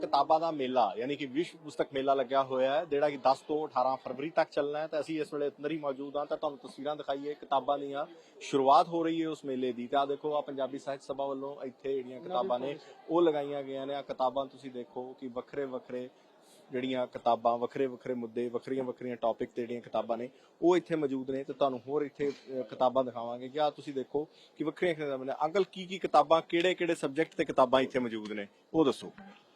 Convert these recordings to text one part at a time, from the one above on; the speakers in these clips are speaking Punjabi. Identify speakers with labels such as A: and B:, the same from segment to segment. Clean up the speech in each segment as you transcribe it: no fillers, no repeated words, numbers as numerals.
A: किताबां दा मेला यानी कि विश्व पुस्तक मेला लग्या होया है ਜਿਹੜਾ ਕਿ 10 ਤੋਂ 18 ਫਰਵਰੀ ਤੱਕ ਚੱਲਣਾ ਹੈ ਤੇ ਅਸੀਂ ਇਸ ਵੇਲੇ ਅੰਦਰ ਹੀ ਮੌਜੂਦ ਹਾਂ ਤਾਂ ਤੁਹਾਨੂੰ ਤਸਵੀਰਾਂ ਦਿਖਾਈਏ ਕਿਤਾਬਾਂ ਦੀਆਂ ਸ਼ੁਰੂਆਤ ਹੋ ਰਹੀ ਹੈ ਉਸ ਮੇਲੇ ਦੀ ਤੇ ਆ ਦੇਖੋ ਆ ਪੰਜਾਬੀ ਸਾਹਿਤ ਸਭਾ ਵੱਲੋਂ ਇੱਥੇ ਜਿਹੜੀਆਂ ਕਿਤਾਬਾਂ ਨੇ ਉਹ ਲਗਾਈਆਂ ਗਈਆਂ ਨੇ ਆ ਕਿਤਾਬਾਂ ਤੁਸੀਂ ਦੇਖੋ ਕਿ ਵੱਖਰੇ ਵੱਖਰੇ ਜਿਹੜੀਆਂ ਕਿਤਾਬਾਂ ਵੱਖਰੇ ਵੱਖਰੇ ਮੁੱਦੇ ਵੱਖਰੀਆਂ ਵੱਖਰੀਆਂ ਟੌਪਿਕ ਤੇ ਜਿਹੜੀਆਂ ਕਿਤਾਬਾਂ ਨੇ ਉਹ ਇੱਥੇ ਮੌਜੂਦ ਨੇ ਤੇ ਤੁਹਾਨੂੰ ਹੋਰ ਇੱਥੇ ਕਿਤਾਬਾਂ ਦਿਖਾਵਾਂਗੇ ਕਿ ਆ ਤੁਸੀਂ ਦੇਖੋ ਕਿ ਵੱਖਰੀਆਂ ਕਿਤਾਬਾਂ ਨੇ ਅੰਕਲ ਕੀ ਕਿਤਾਬਾਂ ਕਿਹੜੇ ਕਿਹੜੇ ਸਬਜੈਕਟ ਤੇ ਕਿਤਾਬਾਂ ਇੱਥੇ ਮੌਜੂਦ ਨੇ ਉਹ ਦੱਸੋ।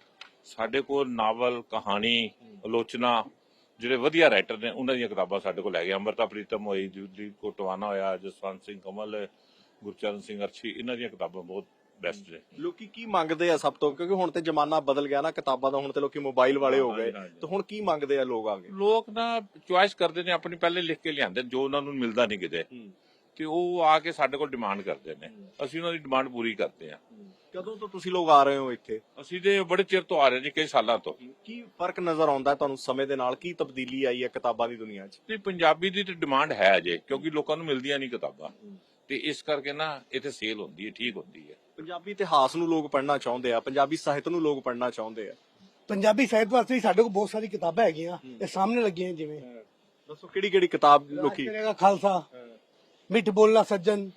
B: ਸਾਡੇ ਕੋਲ ਨਾਵਲ ਕਹਾਣੀ ਆਲੋਚਨਾ ਜਿਹੜੇ ਵਧੀਆ ਰਾਈਟਰ ਨੇ ਉਹਨਾਂ ਦੀਆਂ ਕਿਤਾਬਾਂ ਸਾਡੇ ਕੋਲ ਹੈਗੀਆਂ। ਅੰਮ੍ਰਿਤਾ ਪ੍ਰੀਤਮ ਹੋਈ, ਜੁਦੀ ਕੋਟਵਾਨਾ ਹੋਇਆ, ਜਸਵੰਤ ਸਿੰਘ ਕਮਲ, ਗੁਰਚਰਨ ਸਿੰਘ ਅਰਸ਼ੀ, ਇਹਨਾਂ ਦੀਆਂ ਕਿਤਾਬਾਂ ਬਹੁਤ ਬੈਸਟ ਨੇ।
A: ਲੋਕੀ ਕੀ ਮੰਗਦੇ ਆ ਸਭ ਤੋਂ ਕਿਉਂਕਿ ਹੁਣ ਤੇ ਜ਼ਮਾਨਾ ਬਦਲ ਗਿਆ ਨਾ ਕਿਤਾਬਾਂ ਦਾ ਹੁਣ ਤੇ ਲੋਕੀ ਮੋਬਾਈਲ ਵਾਲੇ ਹੋ ਗਏ ਤੇ ਹੁਣ ਕੀ ਮੰਗਦੇ ਆ ਲੋਕ ਆਗੇ
B: ਲੋਕ ਨਾ ਚੁਆਇਸ ਕਰਦੇ ਨੇ ਆਪਣੀ ਪਹਿਲੇ ਲਿਖ ਕੇ ਲਿਆਂਦੇ ਜੋ ਉਹਨਾਂ ਨੂੰ ਮਿਲਦਾ ਨਹੀਂ ਕਿਤੇ ਤੇ ਉਹ ਆ ਕੇ ਸਾਡੇ ਕੋਲ ਡਿਮਾਂਡ ਕਰਦੇ ਨੇ ਅਸੀਂ ਉਹਨਾਂ ਦੀ ਡਿਮਾਂਡ ਪੂਰੀ ਕਰਦੇ ਆ।
A: ਕਦੋਂ ਤੋਂ ਤੁਸੀਂ ਲੋਕ ਆ ਰਹੇ ਹੋ ਇੱਥੇ?
B: ਅਸੀਂ ਤੇ ਬੜੇ ਚਿਰ ਤੋਂ ਆ ਰਹੇ ਜੀ ਕਈ ਸਾਲਾਂ ਤੋਂ।
A: ਕੀ ਫਰਕ ਨਜ਼ਰ ਆਉਂਦਾ ਤੁਹਾਨੂੰ ਸਮੇਂ ਦੇ ਨਾਲ ਕੀ ਤਬਦੀਲੀ ਆਈ ਹੈ ਕਿਤਾਬਾਂ ਦੀ ਦੁਨੀਆ 'ਚ?
B: ਤੇ ਪੰਜਾਬੀ ਦੀ ਤੇ ਡਿਮਾਂਡ ਹੈ ਅਜੇ ਕਿਉਂਕਿ ਲੋਕਾਂ ਨੂੰ ਮਿਲਦੀਆਂ ਨਹੀਂ ਕਿਤਾਬਾਂ ਤੇ ਇਸ ਕਰਕੇ ਨਾ ਇੱਥੇ ਸੇਲ ਹੁੰਦੀ ਹੈ ਠੀਕ ਹੁੰਦੀ ਹੈ।
A: ਪੰਜਾਬੀ ਇਤਿਹਾਸ ਨੂੰ ਲੋਕ ਪੜ੍ਹਨਾ ਚਾਹੁੰਦੇ ਆ ਪੰਜਾਬੀ ਸਾਹਿਤ ਨੂੰ ਲੋਕ ਪੜ੍ਹਨਾ ਚਾਹੁੰਦੇ ਆ।
C: ਪੰਜਾਬੀ ਸਾਹਿਤ ਵਾਸਤੇ ਸਾਡੇ ਕੋਲ ਬਹੁਤ ਸਾਰੀ ਕਿਤਾਬਾਂ ਹੈਗੀਆਂ ਇਹ ਸਾਹਮਣੇ ਲੱਗੀਆਂ ਜਿਵੇਂ
A: ਦੱਸੋ ਕਿਹੜੀ ਕਿਤਾਬ ਲੋਕੀ?
C: ਖਾਲਸਾ, ਮਿੱਠ ਬੋਲਣਾ ਸੱਜਣ,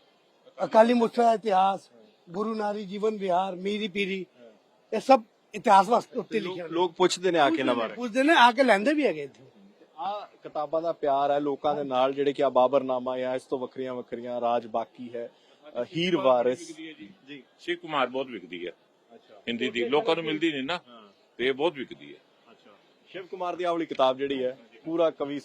C: ਅਕਾਲੀ ਮੁਰਸ਼ਦ ਦਾ ਇਤਿਹਾਸ, ਗੁਰੂ ਨਾਰੀ ਜੀਵਨ ਵਿਹਾਰ, ਮੀਰੀ ਪੀਰੀ, ਇਹ ਸਭ ਇਤਿਹਾਸ ਵਾਸਤੇ ਉੱਤੇ ਲਿਖਿਆ।
A: ਲੋਕ ਪੁੱਛਦੇ ਨੇ ਆ ਕੇ ਨਾ ਬਾਰੇ
C: ਪੁੱਛਦੇ ਨੇ ਆ ਕੇ ਲੈਂਦੇ ਵੀ ਹੈਗੇ ਇੱਥੇ।
A: ਆ ਕਿਤਾਬਾਂ ਦਾ ਪਿਆਰ ਹੈ ਲੋਕਾਂ ਦੇ ਨਾਲ ਜਿਹੜੇ ਕਿ ਆ ਬਾਬਰਨਾਮਾ ਜਾਂ ਇਸ ਤੋਂ ਵੱਖਰੀਆਂ ਰਾਜ ਬਾਕੀ ਹੈ, ਹੀਰ ਵਾਰਿਸ
B: ਜੀ ਸ਼ਿਵ ਕੁਮਾਰ ਬਹੁਤ ਵਿਕਦੀ ਹੈ ਹਿੰਦੀ ਦੀ ਲੋਕਾਂ ਨੂੰ ਮਿਲਦੀ ਨਹੀਂ ਨਾ ਤੇ ਇਹ ਬਹੁਤ ਵਿਕਦੀ ਹੈ।
A: ਸ਼ਿਵ ਕੁਮਾਰ ਦੀ ਆਹ ਵਾਲੀ ਕਿਤਾਬ ਜਿਹੜੀ ਹੈ ਪੂਰਾ ਕਵੀ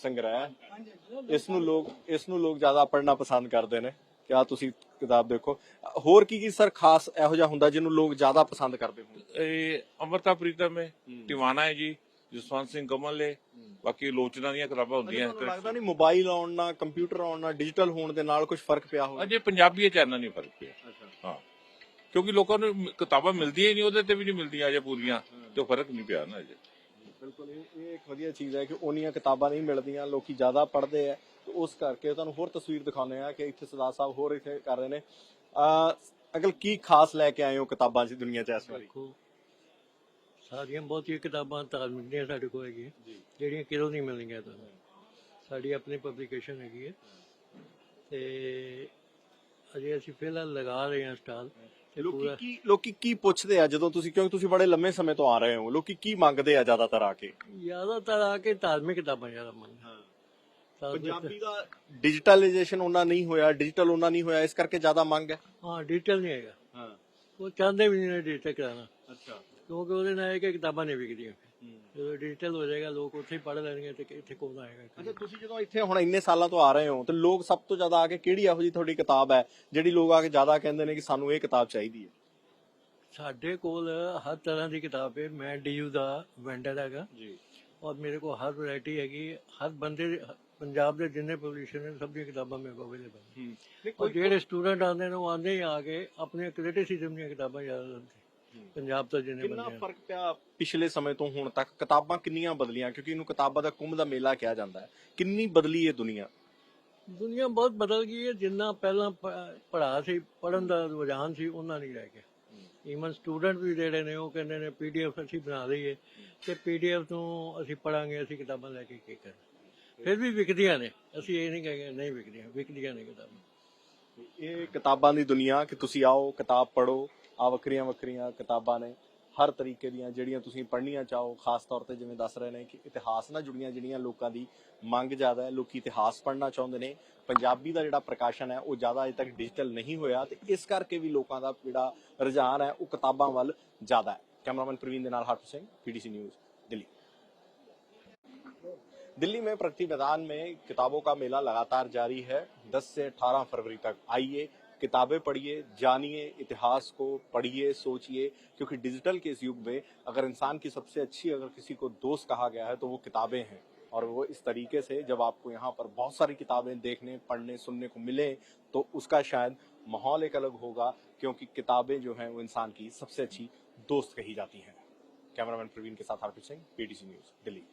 A: ਸੰਗ੍ਰਹਿ ਇਸ ਨੂੰ ਲੋਕ ਜ਼ਿਆਦਾ ਪੜ੍ਹਨਾ ਪਸੰਦ ਕਰਦੇ ਨੇ ਕਿ ਆ ਤੁਸੀਂ ਕਿਤਾਬ ਦੇਖੋ। ਹੋਰ ਕੀ ਸਰ ਖਾਸ ਇਹੋ ਜਿਹਾ ਹੁੰਦਾ ਜਿਹਨੂੰ ਲੋਕ ਜ਼ਿਆਦਾ ਪਸੰਦ ਕਰਦੇ ਹੋਣ?
B: ਇਹ ਅੰਮ੍ਰਿਤਾ ਪ੍ਰੀਤਮ ਹੈ, ਟਿਵਾਣਾ ਹੈ ਜੀ, ਜਸਵੰਤ ਸਿੰਘ ਕਮਲ ਹੈ, ਬਾਕੀ ਆਲੋਚਨਾ ਦੀਆਂ ਕਿਤਾਬਾਂ ਹੁੰਦੀਆਂ।
A: ਲੱਗਦਾ ਨਹੀਂ ਮੋਬਾਈਲ ਆਉਣ ਨਾਲ ਕੰਪਿਊਟਰ ਆਉਣ ਨਾਲ ਡਿਜੀਟਲ ਹੋਣ ਦੇ ਨਾਲ ਕੁਝ ਫਰਕ ਪਿਆ ਹੋਵੇ?
B: ਅਜੇ ਪੰਜਾਬੀ ਚ ਇੰਨਾ ਨਹੀਂ ਫਰਕ ਪਿਆ ਹਾਂ ਕਿਉਂਕਿ ਲੋਕਾਂ ਨੂੰ ਕਿਤਾਬਾਂ ਮਿਲਦੀਆਂ ਹੀ ਨਹੀਂ ਉਹਦੇ ਤੇ ਵੀ ਨਹੀਂ ਮਿਲਦੀਆਂ ਅਜੇ ਪੂਰੀਆਂ ਤੇ ਫਰਕ ਨਹੀਂ ਪਿਆ ਨਾ ਅਜੇ।
A: ਬਿਲਕੁਲ ਇਹ ਇੱਕ ਵਧੀਆ ਚੀਜ਼ ਹੈ ਕਿ ਉਹਨੀਆਂ ਕਿਤਾਬਾਂ ਨਹੀਂ ਮਿਲਦੀਆਂ ਲੋਕੀ ਜ਼ਿਆਦਾ ਪੜ੍ਹਦੇ ਆ ਤੇ ਉਸ ਕਰਕੇ ਤੁਹਾਨੂੰ ਹੋਰ ਤਸਵੀਰ ਦਿਖਾਉਂਦੇ ਆ ਕਿ ਇੱਥੇ ਸਰਦਾਰ ਸਾਹਿਬ ਹੋਰ ਇੱਥੇ ਕਰ ਰਹੇ ਨੇ। ਅਗਲ ਕੀ ਖਾਸ ਲੈ ਕੇ ਆਏ ਹੋ ਕਿਤਾਬਾਂ ਦੀ ਦੁਨੀਆ 'ਚ ਇਸ ਵਾਰੀ?
D: ਸਾਰੀਆਂ ਬਹੁਤੀਆਂ ਕਿਤਾਬਾਂ ਧਾਰਮਿਕ ਦੀਆਂ ਸਾਡੇ ਕੋਲ ਹੈਗੀਆਂ ਜਿਹੜੀਆਂ ਕਿਰੋਂ ਨਹੀਂ ਮਿਲਣਗੀਆਂ ਤੁਹਾਨੂੰ। ਸਾਡੀ ਆਪਣੀ ਪਬਲੀਕੇਸ਼ਨ ਹੈਗੀ ਹੈ ਤੇ ਅਜੇ ਅਸੀਂ ਫਿਲਹਾਲ ਲਗਾ ਰਹੇ ਹਾਂ ਸਟਾਲ।
A: ਲੋਕੀ ਕੀ ਪੁੱਛਦੇ ਆ ਜਦੋਂ ਤੁਸੀਂ ਕਿਉਂਕਿ ਤੁਸੀਂ ਬੜੇ ਲੰਮੇ ਸਮੇਂ ਤੋਂ ਆ ਰਹੇ ਹੋ ਲੋਕੀ ਕੀ ਮੰਗਦੇ ਆ ਜ਼ਿਆਦਾਤਰ ਆ ਕੇ?
D: ਜ਼ਿਆਦਾਤਰ ਆ ਕੇ ਧਾਰਮਿਕ ਕਿਤਾਬਾਂ ਜ਼ਿਆਦਾ ਮੰਗਦੇ।
A: ਪੰਜਾਬੀ ਦਾ ਡਿਜੀਟਲਾਈਜੇਸ਼ਨ ਉਹਨਾਂ ਨਹੀਂ ਹੋਇਆ, ਡਿਜੀਟਲ ਉਹਨਾਂ ਨਹੀਂ ਹੋਇਆ, ਇਸ ਕਰਕੇ ਜ਼ਿਆਦਾ ਮੰਗ ਹੈ।
D: ਹਾਂ ਡਿਜੀਟਲ ਨਹੀਂ ਹੈਗਾ, ਉਹ ਚਾਹੁੰਦੇ ਵੀ ਨਹੀਂ ਡਿਜੀਟਲ ਕਰਾਉਣਾ ਕਿਉਂਕਿ ਉਹਦੇ ਨਾਲ ਇਹ ਕਿ ਕਿਤਾਬਾਂ ਨਹੀਂ ਵਿਕਦੀਆਂ। ਜਦੋਂ ਡਿਜੀਟਲ ਹੋ ਜਾਏਗਾ ਲੋਕ ਉੱਥੇ ਹੀ ਪੜ੍ਹ ਲੈਣਗੇ ਤੇ ਇੱਥੇ ਕੌਣ ਆਏਗਾ।
A: ਅੱਛਾ ਤੁਸੀਂ ਜਦੋਂ ਇੱਥੇ ਹੁਣ ਇੰਨੇ ਸਾਲਾਂ ਤੋਂ ਆ ਰਹੇ ਹੋ ਤੇ ਲੋਕ ਸਭ ਤੋਂ ਜ਼ਿਆਦਾ ਆ ਕੇ ਕਿਹੜੀ ਇਹੋ ਜਿਹੀ ਤੁਹਾਡੀ ਕਿਤਾਬ ਹੈ ਜਿਹੜੀ ਲੋਕ ਆ ਕੇ ਜ਼ਿਆਦਾ ਕਹਿੰਦੇ ਨੇ ਕਿ ਸਾਨੂੰ ਇਹ ਕਿਤਾਬ ਚਾਹੀਦੀ ਹੈ?
D: ਸਾਡੇ ਕੋਲ ਹਰ ਤਰ੍ਹਾਂ ਦੀ ਕਿਤਾਬ ਹੈ। ਮੈਂ ਡੀਯੂ ਦਾ ਵੈਂਡਰ ਹੈਗਾ ਜੀ ਔਰ ਮੇਰੇ ਕੋਲ ਹਰ ਵੈਰਾਈਟੀ ਹੈਗੀ। ਹਰ ਬੰਦੇ ਪੰਜਾਬ ਦੇ ਜਿੰਨੇ ਪਬਲਿਸ਼ਰ ਨੇ ਸਭ ਦੀਆਂ ਕਿਤਾਬਾਂ ਮੇਰੇ ਕੋਲ ਅਵੇਲੇਬਲ। ਔਰ ਜਿਹੜੇ ਸਟੂਡੈਂਟ ਆਉਂਦੇ ਨੇ ਉਹ ਆਉਂਦੇ ਹੀ ਆ ਕੇ ਆਪਣੇ ਕ੍ਰਿਟਿਸਿਜ਼ਮ ਦੀਆਂ ਕਿਤਾਬਾਂ ਜ਼ਿਆਦਾ ਲੈਂਦੇ ਪੰਜਾਬ ਤੋਂ ਜਿੰਨੇ ਬੰਦੇ।
A: ਕਿੰਨਾ ਫਰਕ ਪਿਆ ਪਿਛਲੇ ਸਮੇਂ ਤੋਂ ਹੁਣ ਤੱਕ? ਕਿਤਾਬਾਂ ਕਿੰਨੀਆਂ ਬਦਲੀਆਂ ਕਿਉਂਕਿ ਇਹਨੂੰ ਕਿਤਾਬਾਂ ਦਾ ਕੁੰਭ ਦਾ ਮੇਲਾ ਕਿਹਾ ਜਾਂਦਾ ਹੈ। ਕਿੰਨੀ ਬਦਲੀ ਹੈ ਦੁਨੀਆ
D: ਬਹੁਤ ਬਦਲ ਗਈ ਹੈ। ਜਿੰਨਾ ਪਹਿਲਾਂ ਪੜ੍ਹਾ ਸੀ ਪੜ੍ਹਨ ਦਾ ਰੁਝਾਨ ਸੀ ਉਹਨਾਂ ਨਹੀਂ ਰਹਿ ਗਿਆ। ਈਵਨ ਸਟੂਡੈਂਟ ਵੀ ਜਿਹੜੇ ਨੇ ਉਹ ਕਹਿੰਦੇ ਨੇ PDF ਅਸੀਂ ਬਣਾ ਲਈਏ ਤੇ PDF ਤੋਂ ਅਸੀਂ ਪੜਾਂਗੇ, ਅਸੀਂ ਕਿਤਾਬਾਂ ਲੈ ਕੇ ਕੀ ਕਰਨਾ। ਫਿਰ ਵੀ ਵਿਕਦੀਆਂ ਨੇ, ਅਸੀਂ ਇਹ ਨਹੀਂ ਕਹਿੰਦੇ ਨਹੀਂ ਵਿਕਦੀਆਂ ਨੇ ਕਿਤਾਬਾਂ।
A: ਇਹ ਕਿਤਾਬਾਂ ਦੀ ਦੁਨੀਆ ਕਿ ਤੁਸੀਂ ਆਓ ਕਿਤਾਬ ਪੜ੍ਹੋ। ਆ ਵੱਖਰੀਆਂ ਕਿਤਾਬਾਂ ਨੇ ਹਰ ਤਰੀਕੇ ਦੀਆਂ ਜਿਹੜੀਆਂ ਤੁਸੀਂ ਪੜ੍ਹਨੀਆਂ ਚਾਹੋ। ਖਾਸ ਤੌਰ ਤੇ ਜਿਵੇਂ ਦੱਸ ਰਹੇ ਨੇ ਕਿ ਇਤਿਹਾਸ ਨਾਲ ਜੁੜੀਆਂ ਜਿਹੜੀਆਂ ਲੋਕਾਂ ਦੀ ਮੰਗ ਜ਼ਿਆਦਾ ਹੈ, ਲੋਕੀ ਇਤਿਹਾਸ ਪੜ੍ਹਨਾ ਚਾਹੁੰਦੇ ਨੇ। ਪੰਜਾਬੀ ਦਾ ਜਿਹੜਾ ਪ੍ਰਕਾਸ਼ਨ ਹੈ ਉਹ ਜ਼ਿਆਦਾ ਅਜੇ ਤੱਕ ਡਿਜੀਟਲ ਨਹੀਂ ਹੋਇਆ ਤੇ ਇਸ ਕਰਕੇ ਵੀ ਲੋਕਾਂ ਦਾ ਜਿਹੜਾ ਰੁਝਾਨ ਹੈ ਉਹ ਕਿਤਾਬਾਂ ਵੱਲ ਜ਼ਿਆਦਾ ਹੈ। कैमरामैन प्रवीण के नाल हरप्रीत सिंह, PTC न्यूज, दिल्ली। दिल्ली में प्रगति मैदान में किताबों का मेला लगातार जारी है। 10 से 18 फरवरी तक आइए, किताबें पढ़िए, जानिए, इतिहास को पढ़िए, सोचिए, क्योंकि डिजिटल के इस युग में अगर इंसान की सबसे अच्छी अगर किसी को दोस्त कहा गया है तो वो किताबें हैं। और वो इस तरीके से जब आपको यहाँ पर बहुत सारी किताबें देखने, पढ़ने, सुनने को मिले तो उसका शायद माहौल एक अलग होगा, क्योंकि किताबें जो हैं वो इंसान की सबसे अच्छी दोस्त कही जाती हैं। कैमरामैन प्रवीण के साथ हरप्रीत सिंह, PTC न्यूज, दिल्ली।